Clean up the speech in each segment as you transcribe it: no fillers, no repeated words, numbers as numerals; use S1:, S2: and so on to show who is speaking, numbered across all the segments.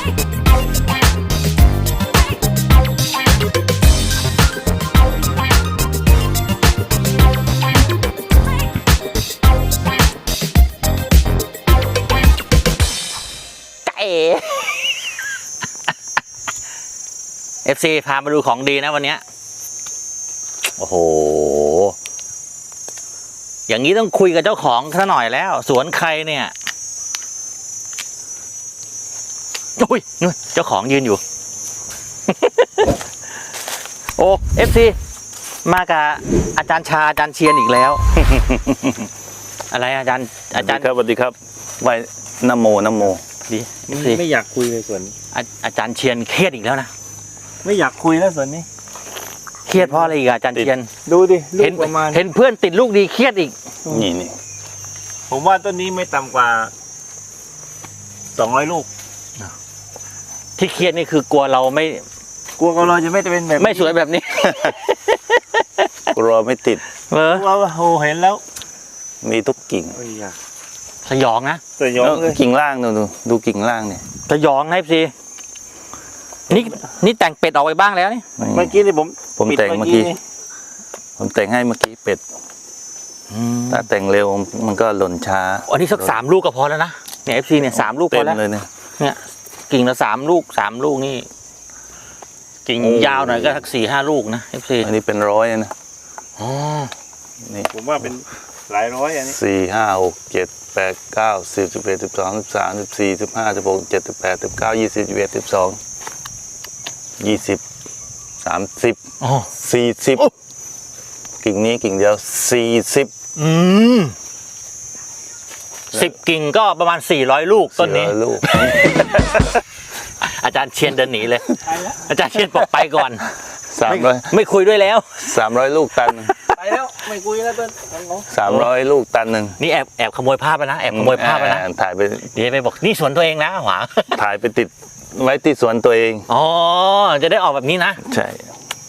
S1: FC พามาดูของดีนะวันนี้โอ้โหอย่างนี้ต้องคุยกับเจ้าของซะหน่อยแล้วสวนใครเนี่ยอุ้ยนู่นเจ้าของยืนอยู่ โอ้ FC มากับอาจารย์ชาอาจารย์เชียนอีกแล้ว อะไรอาจารย์
S2: ครับสวัสดีครับไหว้นโม
S1: ดี
S3: ไม่อยากคุยเลยส่วนนี้
S1: อาจารย์เชียนเครียดอีกแล้วนะ
S3: ไม่อยากคุยแล้วส่วนนี้
S1: เครียดเพราะอะไรอีกอาจารย์เชียน
S3: ดูดิลูกประมาณ
S1: เห็นเพื่อนติดลูกดีเครียดอีก
S2: นี่
S3: ผมว่าต้นนี้ไม่ต่ำกว่า200 ลูก
S1: ที่เครียดนี่คือกลัวเราไม่
S3: กลัวเราจะไม่เป็นแบบ
S1: ไม่สวยแบบนี้
S2: กลัวไม่ติด
S3: ว่าโหเห็นแล้ว
S2: มีทุกกิ่ง
S1: สยองนะ
S3: สยองเลย
S2: กิ่งล่างดูกิ่งล่างเนี่ย
S1: สยองนะพี่นี่แต่งเป็ดออกไปบ้างแล้วนี่
S3: เมื่อกี้นี่
S2: ผมแต่งเมื่อกี้ผมแต่งให้เมื่อกี้เป็ดถ้าแต่งเร็วมันก็หล่นช้า
S1: อันนี้สัก3 ลูกก็พอแล้วนะเนี่ย FC เนี่ย3 ลูกพอแล้ว
S2: เลย
S1: เนี่ยกิ่งละ3 ลูก3 ลูกนี่กิ่งยาวหน่อยก็สัก4-5 ลูกนะ FC
S2: อันนี้เป็น100นะ
S1: อ๋อ
S3: นี่ผมว่าเป็นหลายร้อยอันนี้
S2: 4 5 6 7 8 9 10 11 12 13 14 15 16 17 18 19 20 21 12 20 30 40กิ่งนี้กิ่งเดียว40
S1: 10 กิ่งก็ประมาณ400 ลูกต้นนี้อาจารย์เชียนเดินหนีเลยอาจารย์เชียนบอกไปก่อน300ไม่คุยด้วยแล้ว
S2: 300 ลูกตัน
S3: ไปแล้วไม่คุยแล้วต้น
S2: 300 ลูกตันนึง
S1: นี่แอบขโมยภาพไปนะแอบขโมยภาพไปนะ
S2: ถ่ายไป
S1: เดี๋ยวไปบอกนี่สวนตัวเองนะหวา
S2: ถ่ายไปติดไว้ที่สวนตัวเอง
S1: อ๋อจะได้ออกแบบนี้นะ
S2: ใช่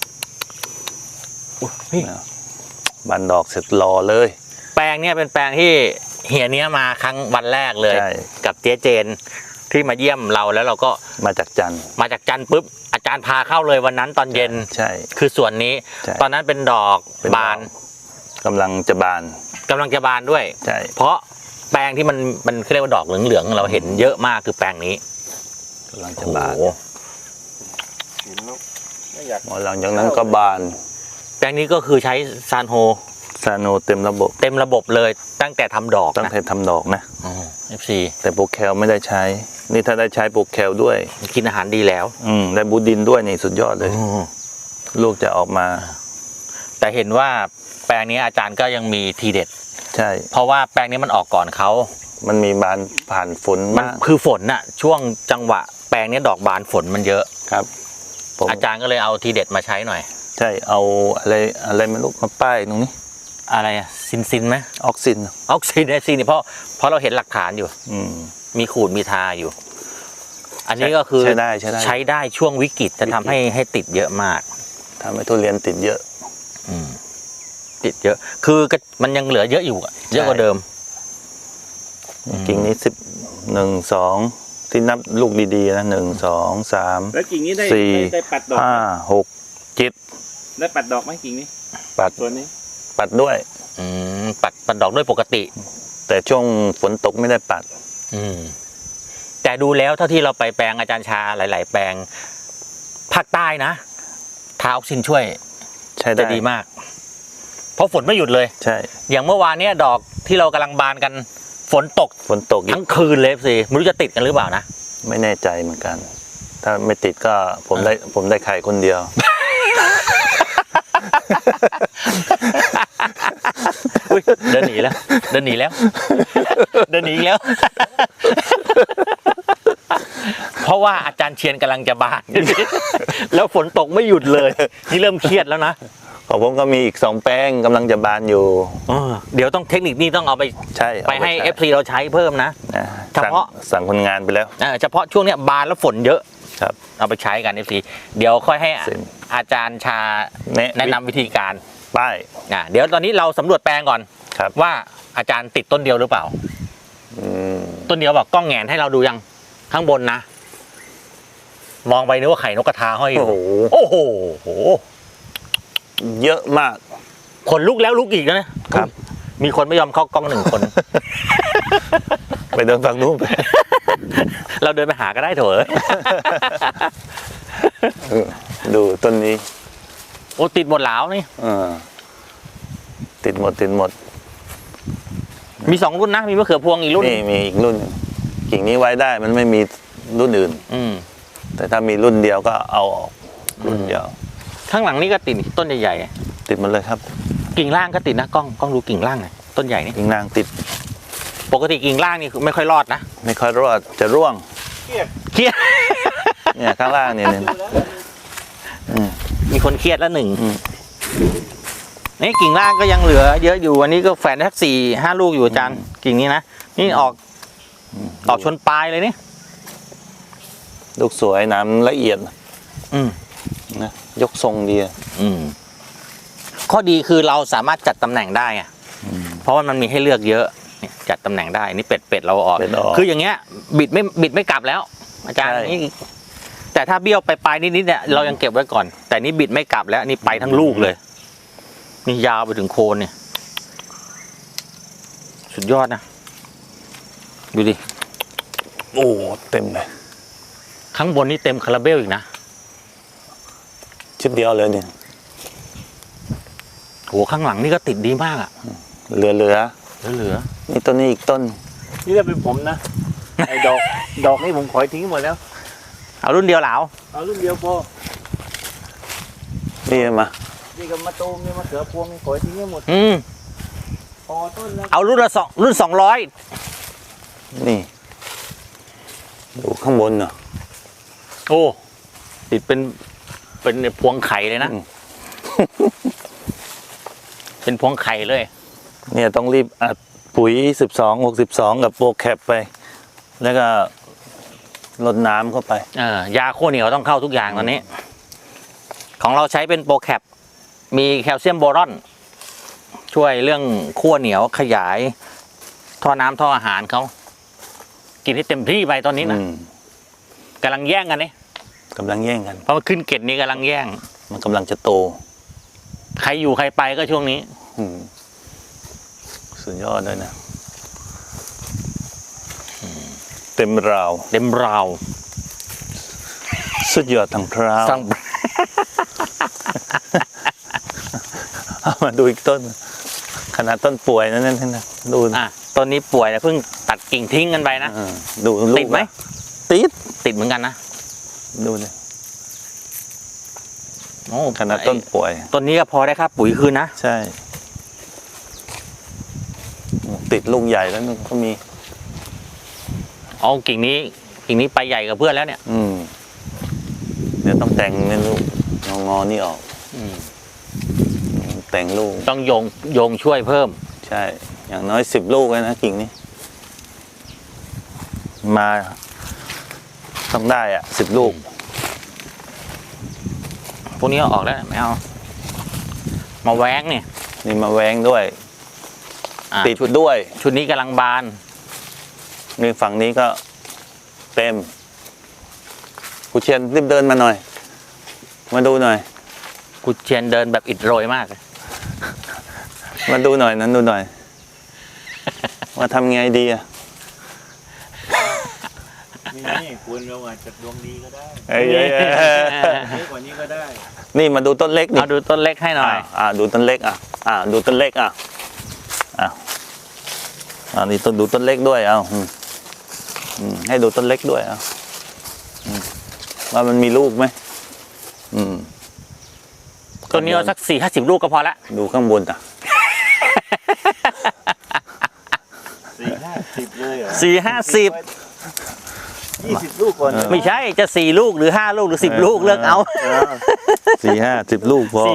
S2: บันดอกเสร็จรอเลย
S1: แปลงเนี่ยเป็นแปลงที่เฮียเนี้ยมาครั้งวันแรกเลยกับเจ๊เจนที่มาเยี่ยมเราแล้วเราก็
S2: มาจากจันทร์
S1: ปุ๊บอาจารย์พาเข้าเลยวันนั้นตอนเย็น
S2: ใช่
S1: คือส่วนนี้ตอนนั้นเป็นดอกบาน
S2: กำลังจะบาน
S1: ด้วย
S2: ใช่
S1: เพราะแปลงที่มันเรียกว่าดอกเหลืองๆเราเห็นเยอะมากคือแปลงนี้
S2: กำลังจะบาน
S3: เห็นแล้วไม่อยาก
S2: หลังจากนั้นก็บาน
S1: แปลงนี้ก็คือใช้ซานโฮ
S2: เต็มระบบ
S1: เลยตั้งแต่ทำดอก
S2: นะ
S1: FC
S2: แต่โปรแคลไม่ได้ใช้นี่ถ้าได้ใช้โปรแคลด้วย
S1: กินอาหารดีแล้ว
S2: ได้บูดินด้วยนี่สุดยอดเลยลูกจะออกมา
S1: แต่เห็นว่าแปลงนี้อาจารย์ก็ยังมีทีเด็ด
S2: ใช่
S1: เพราะว่าแปลงนี้มันออกก่อนเขา
S2: มันมีบานผ่านฝน
S1: มันคือฝนน่ะช่วงจังหวะแปลงนี้ดอกบานฝนมันเยอะ
S2: ครับ
S1: อาจารย์ก็เลยเอาทีเด็ดมาใช้หน่อย
S2: ใช่เอาอะไรไม่รู้มาป้ายตรงนี้
S1: อะไรอะซินไหม
S2: ออกซิน
S1: เนี่ยเพราะเราเห็นหลักฐานอยู่มีขูดมีทาอยู่อันนี้ก็คือใช้ได้ช่วงวิกฤตจะทำให้ติดเยอะมาก
S2: ทำให้ทุเรียนติดเยอะ
S1: ติดเยอะคือมันยังเหลือเยอะอยู่เยอะกว่าเดิม
S2: กิ่งนี้11 2ที่นับลูกดีๆนะ1 2 3
S3: แล้วกิ่งนี้ได้ปัดดอก
S2: 5 6 7
S3: ได้ปัดดอกไหมกิ่งนี้
S2: ปัด
S3: ตัวนี้
S2: ปัดด้วย
S1: ปัดดอกด้วยปกติ
S2: แต่ช่วงฝนตกไม่ได้ปัด
S1: แต่ดูแล้วเท่าที่เราไปแปลงอาจารย์ชาหลายๆแปลงภาคใต้นะทาออกซินช่วยจะดีมากเพราะฝนไม่หยุดเลย
S2: ใช่
S1: อย่างเมื่อวานเนี้ยดอกที่เรากำลังบานกันฝนตกทั้งคืนเลยสิไม่รู้จะติดกันหรือเปล่านะ
S2: ไม่แน่ใจเหมือนกันถ้าไม่ติดก็ผมได้ไข่คนเดียว
S1: เดินหนีแล้วเพราะว่าอาจารย์เชียนกำลังจะบานแล้วฝนตกไม่หยุดเลยนี่เริ่มเครียดแล้วนะ
S2: ของผมก็มีอีก2 แป้งกำลังจะบานอยู่
S1: เดี๋ยวต้องเทคนิคนี้ต้องเอาไปให้ FC เราใช้เพิ่มนะเฉพาะ
S2: สั่งคนงานไปแล้ว
S1: เฉพาะช่วงนี้บานแล้วฝนเยอะ
S2: ครับ
S1: เอาไปใช้กัน FC เดี๋ยวค่อยให้อาจารย์ชาแนะนำวิธีการ
S2: ป้าย
S1: เดี๋ยวตอนนี้เราสำรวจแปลงก่อนว่าอาจารย์ติดต้นเดียวหรือเปล่าต้นเดียวบอกกล้องแงนให้เราดูยังข้างบนนะมองไปนึกว่าไข่นกกระทาห้อยอยู่
S2: โอ้โห
S1: โอ้โห
S2: เยอะมาก
S1: ขนลุกแล้วลุกอีกนะครับ มีคนไม่ยอมเข้ากล้อง1 คน
S2: ไปเดินฝั่งนู้นไป
S1: เราเดินไปหาก็ได้เถอะ
S2: ดูต้นนี้
S1: โอ้ติดหมดแล้วนี่
S2: ติดหมด
S1: มี2 รุ่นนะมีมะเขือพวงอีกรุ่น
S2: นี่มีอีกรุ่นหนึ่งกิ่งนี้ไว้ได้มันไม่มีรุ่นอื่น
S1: อืม
S2: แต่ถ้ามีรุ่นเดียวก็เอาออกรุ่นเดียว
S1: ข้างหลังนี่ก็ติดต้นใหญ่
S2: ติดหมันเลยครับ
S1: ๆกิ่งล่างก็ติดนะกล้องดูกิ่งล่างหน่อยต้นใหญ่นี่
S2: กิ่งนางติด
S1: ปกติกิ่งล่างนี่ไม่ค่อยรอดนะ
S2: ไม่ค่อยรอดจะร่วง
S3: เครียด
S1: เครียด
S2: เนี่ยข้างล่างเนี่ย
S3: ดูแล้ว
S1: มีคนเครียดแล้ว
S2: อืม
S1: นี่กิ่งล่างก็ยังเหลือเยอะอยู่อันนี้ก็แฝนสัก4-5 ลูกอยู่อาจารย์กิ่งนี้นะนี่ออกชนปลายเลยนี่
S2: ลูกสวยน้ำละเอียด
S1: อืม
S2: นะยกทรงดี
S1: อืมข้อดีคือเราสามารถจัดตำแหน่งได้ไงเพราะว่ามันมีให้เลือกเยอะเนี่ยจัดตำแหน่งได้นี่เป็ดเราออก
S2: เป็ดออก
S1: คืออย่างเงี้ย บิดไม่กลับแล้ว อาจารย์
S2: ใช่
S1: นี่แต่ถ้าเบี้ยวไปปลายนิดๆเนี่ยเรายังเก็บไว้ก่อน แต่นี่บิดไม่กลับแล้วนี่ไปทั้งลูกเลยนี่ยาวไปถึงโคนเนี่ย สุดยอดนะดูดิ
S2: โอ้เต็มเลย
S1: ข้างบนนี่เต็มคาราเบลอีกนะ
S2: ชุดเดียวเลยเนี่ย
S1: โหข้างหลังนี่ก็ติดดีมากอะ
S2: เหลือ
S1: เหลือ
S2: นี่ต้นนี้อีกต้น
S3: นี่ถ้าเป็นผมนะไอ้ดอกนี่ผมขอยทิ้งหมดแล้ว
S1: เอารุ่นเดียวเหลา
S3: เอารุ่นเดียวพอ
S2: นี่มา
S3: นี่กับมะตูมนี่มะเขือพวงนี่ขอยทิ้งให้หมด
S1: อืม
S3: พอต้นแล้ว
S1: เอารุ่น200
S2: นี่ดูข้างบนเนาะ
S1: โอ้ติดเป็นพวงไข่เลยนะ
S2: อืม
S1: เป็นพวงไข่เลย
S2: เนี่ยต้องรีบอัดปุ๋ย12-62กับโปรแคปไป แล้วก็รดน้ำเข้าไป
S1: ยาโคเหนียวต้องเข้าทุกอย่างตอนนี้ ของเราใช้เป็นโปรแคปมีแคลเซียมโบรอน ช่วยเรื่องขั้วเหนียวขยาย ท่อน้ำท่ออาหารเขากินให้เต็มที่ไปตอนนี้นะกำลังแย่งกันนี่
S2: กำลังแย่งกัน
S1: เพราะว่าขึ้นเกตนี้กำลังแย่ง
S2: มันกำลังจะโต
S1: ใครอยู่ใครไปก็ช่วงนี้
S2: อืมสุดยอดเลยนะเต็มราว
S1: เต็มราว
S2: สุดยอดทั้งคราว
S1: สั่ง
S2: เอามาดูอีกต้น ขนาดต้นป่วยนั่นนะดู
S1: ต้นนี้ป่วยนะเพิ่งตัดกิ่งทิ้งกันไปนะ
S2: ดูลูก
S1: ติดไหม
S2: ติด
S1: ติดเหมือนกันนะ
S2: ดูเลย
S1: โอ้
S2: ขนาดต้นป่วย
S1: ต้นนี้ก็พอได้ครับปุ๋ยคืนนะ
S2: ใช่ติดลูกใหญ่แล้วนึงก็มี
S1: เอากิ่งนี้ไปใหญ่กับเพื่อนแล้วเนี่ย
S2: เดี๋ยวต้องแต่งเนี่ยลูกงอนี่ออกแต่งลูก
S1: ต้องโยงช่วยเพิ่ม
S2: ใช่ อย่างน้อย10 ลูกเลยนะกิ่งนี้ มาต้องได้10 ลูก
S1: พวกนี้เอาออกแล้วไม่เอามาแว้งเนี่ย
S2: นี่มาแว้งด้วย ติด
S1: ชุด
S2: ด้วย
S1: ชุดนี้กำลังบาน
S2: นี่ฝั่งนี้ก็เต็มกูเชียนรีบเดินมาหน่อย มาดูหน่อย
S1: กุเชียนเดินแบบอิดโรยมากเลย
S2: มาดูหน่อยนั้นดูหน่อย ว่าทำไงดีอะ
S3: นี่คุณเราอาจจะดวงดีก็ได้
S2: เอ้ย
S3: เยอะกว่านี้ก็ได้
S2: นี่มาดูต้นเล็กนี่
S1: เอาดูต้นเล็กให้หน่อย
S2: ดูต้นเล็กดูต้นเล็กนี่ต้นดูต้นเล็กด้วยให้ดูต้นเล็กด้วยว่ามันมีลูกไหม
S1: ต้นนี้เอาสัก40-50 ลูกก็พอละ
S2: ดูข้างบน
S3: 4-50เลยเหรอ
S1: 4-50
S3: 20 ลูกก่อน
S1: ไม่ใช่จะ4 ลูกหรือ5 ลูกหรือ10 ลูกเลือกเอา
S2: 4-50 ลูกพอ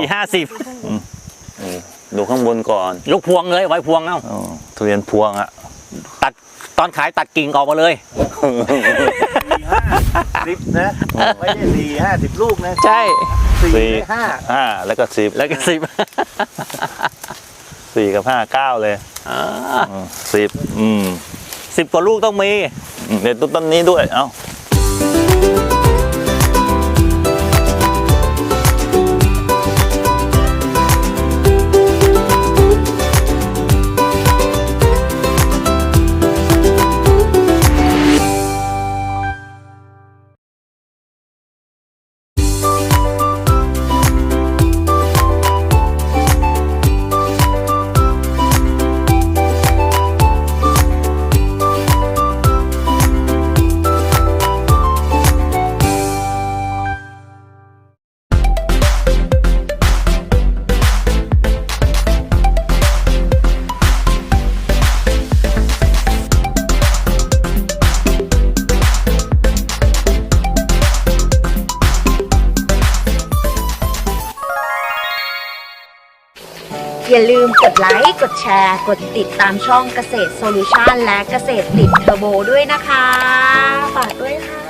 S1: 4-50
S2: ดูข้างบนก่อน
S1: ยกพวงเลยไว้พวงเอา
S2: ทุเรียนพวง
S1: ตัดตอนขายตัดกิ่งออกมาเลย
S3: 4-50นะไม่ใช่4-50 ลูกนะ
S1: ใช่
S3: 4-5
S2: แล้วก็10
S1: แล้วก็10
S2: 4 กับ 5 9 เลย10
S1: 10 กว่าลูกต้องมี
S2: เด็ดต้นนี้ด้วย
S4: อย่าลืมกดไลค์ กดแชร์ กดติดตามช่องเกษตรโซลูชันและเกษตรติดเทอร์โบด้วยนะคะ ฝากด้วยค่ะ